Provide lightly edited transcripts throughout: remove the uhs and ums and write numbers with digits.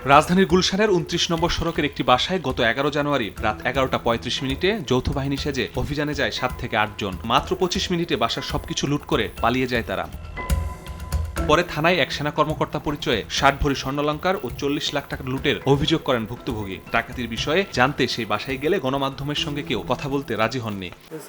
রাজধানীর গুলশানের ২৯ নম্বর সড়কের একটি বাসায় গত ১১ জানুয়ারি রাত ১১টা ৩৫ মিনিটে যৌথ বাহিনী সেজে অভিযানে যায় ৭ থেকে ৮ জন। মাত্র ২৫ মিনিটে বাসার সবকিছু লুট করে পালিয়ে যায় তারা। পরে থানায় এক সেনা কর্মকর্তা পরিচয়ে ৬০ ভরি স্বর্ণালংকার ও ৪০ লাখ টাকা লুটের অভিযোগ করেন ভুক্তভোগী। ডাকাতির বিষয়ে জানতে সেই বাসায় গেলে গণমাধ্যমের সঙ্গে কেউ কথা বলতে রাজি হননি।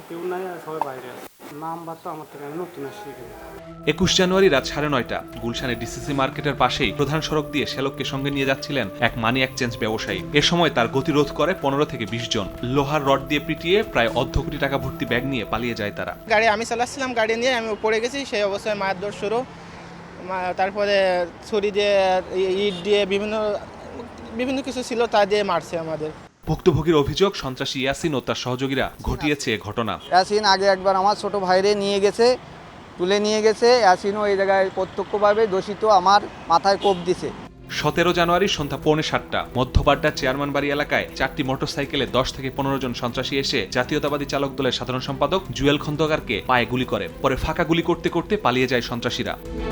২১ জানুয়ারি রাত ৯:৩০ গুলশানের ডিসিসি মার্কেটের পাশেই প্রধান সড়ক দিয়ে শ্যালককে সঙ্গে নিয়ে যাচ্ছিলেন এক মানি এক্সচেঞ্জ ব্যবসায়ী। এ সময় তার গতিরোধ করে ১৫ থেকে ২০ জন। লোহার রড দিয়ে পিটিয়ে প্রায় অর্ধ কোটি টাকা ভর্তি ব্যাগ নিয়ে পালিয়ে যায় তারা। গাড়ি আমি চালাচ্ছিলাম, গাড়ি নিয়ে আমি পড়ে গেছি। সেই অবস্থায় মারধর শুরু, তারপরে ছুরি দিয়ে, ইট দিয়ে, বিভিন্ন কিছু ছিল তা দিয়ে মারছে আমাদের। ভুক্তভোগীর অভিযোগ, সন্ত্রাসী ইয়াসিন ও তার সহযোগীরা ঘটিয়েছে এ ঘটনা। ইয়াসিন আগে একবার আমার ছোট ভাইরে নিয়ে গেছে, তুলে নিয়ে গেছে। ইয়াসিনও এই জায়গায় প্রত্যক্ষভাবে দোষিত, আমার মাথায় কোপ দিছে। ১৭ জানুয়ারি সন্ধ্যা ৬:৩০ মধ্যবাড্ডার চেয়ারম্যান বাড়ি এলাকায় ৪টি মোটরসাইকেলে ১০ থেকে ১৫ জন সন্ত্রাসী এসে জাতীয়তাবাদী চালক দলের সাধারণ সম্পাদক জুয়েল খন্দকারকে পায়ে গুলি করে। পরে ফাঁকা গুলি করতে করতে পালিয়ে যায় সন্ত্রাসীরা।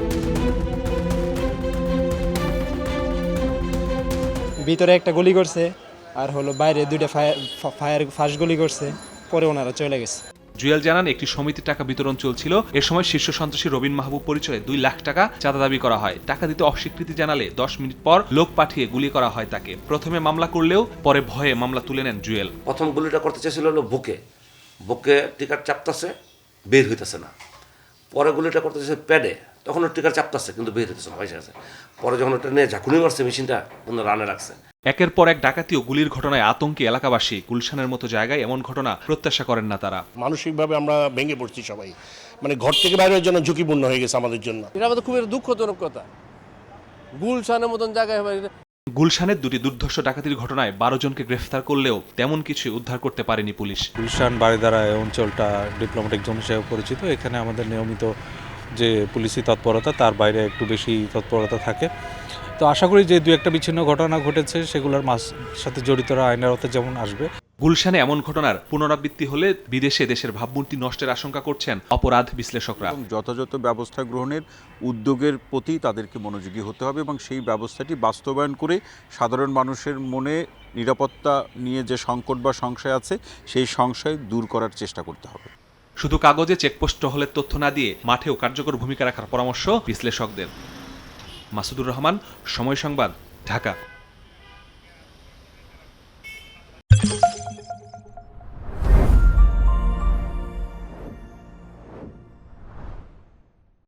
ভিতরে একটা গুলি করছে, আর বাইরে দুইটা ফায়ার ফার্স্ট গুলি করছে, পরে ওনারা চলে গেছে। জুয়েল জানান, একটি সমিতির টাকা বিতরণ চলছিল। এ সময় শীর্ষ সন্ত্রাসী রবিন মাহবুব পরিচয়ে ২ লাখ টাকা চাঁদা দাবি করা হয়। টাকা দিতে অস্বীকৃতি জানালে ১০ মিনিট পর লোক পাঠিয়ে গুলি করা হয় তাকে। প্রথমে মামলা করলেও পরে ভয়ে মামলা তুলে নেন জুয়েল। প্রথম গুলিটা করতে চেয়েছিল হলো বুকে টিকার চাপতাছে, বের হইতেছে না। পরে গুলিটা করতে চেয়েছে প্যাডে, তখন টিকার চাপতাছে কিন্তু বের হইতেছে না, ভাইসে আছে। পরে যখন ওটা নিয়ে ঝাঁকুনি মারছে মেশিনটা, তখন রানে রাখছে। একের পর এক ডাকাতি ও গুলির ঘটনায় আতঙ্কে এলাকাবাসী। গুলশানের মতো জায়গায় এমন ঘটনা প্রত্যাশা করেন না তারা। মানসিকভাবে আমরা ভেঙে পড়ছি সবাই, মানে ঘর থেকে বাইরের জন্য ঝুঁকিপূর্ণ হয়ে গেছে আমাদের জন্য। এটা আমাদের খুবই দুঃখজনক কথা। গুলশানের মতন জায়গায় গুলশানের দুটি দুর্ধর্ষ ডাকাতির ঘটনায় ১২ জনকে গ্রেফতার করলেও তেমন কিছুই উদ্ধার করতে পারেনি পুলিশ। গুলশান বারিধারা এই অঞ্চলটা ডিপ্লোম্যাটিক জোন হিসেবে পরিচিত। এখানে আমাদের নিয়মিত যে পুলিশি তৎপরতা, তার বাইরে একটু বেশি তৎপরতা থাকে। তো আশা করি যে ২-১টা বিচ্ছিন্ন ঘটনা ঘটেছে সেগুলোর সাথে জড়িতরা আইনের আওতায় যেমন আসবে। গুলশানে এমন ঘটনার পুনরাবৃত্তি হলে বিদেশে দেশের ভাবমূর্তি নষ্টের আশঙ্কা করছেন অপরাধ বিশ্লেষকরা। যথাযথ ব্যবস্থা গ্রহণের উদ্যোগের প্রতি তাদেরকে মনোযোগী হতে হবে এবং সেই ব্যবস্থাটি বাস্তবায়ন করে সাধারণ মানুষের মনে নিরাপত্তা নিয়ে যে সংকট বা সংশয় আছে সেই সংশয় দূর করার চেষ্টা করতে হবে। শুধু কাগজে চেকপোস্ট টহলের তথ্য না দিয়ে মাঠেও কার্যকর ভূমিকা রাখার পরামর্শ বিশ্লেষকদের। মাসুদুর রহমান, সময় সংবাদ, ঢাকা।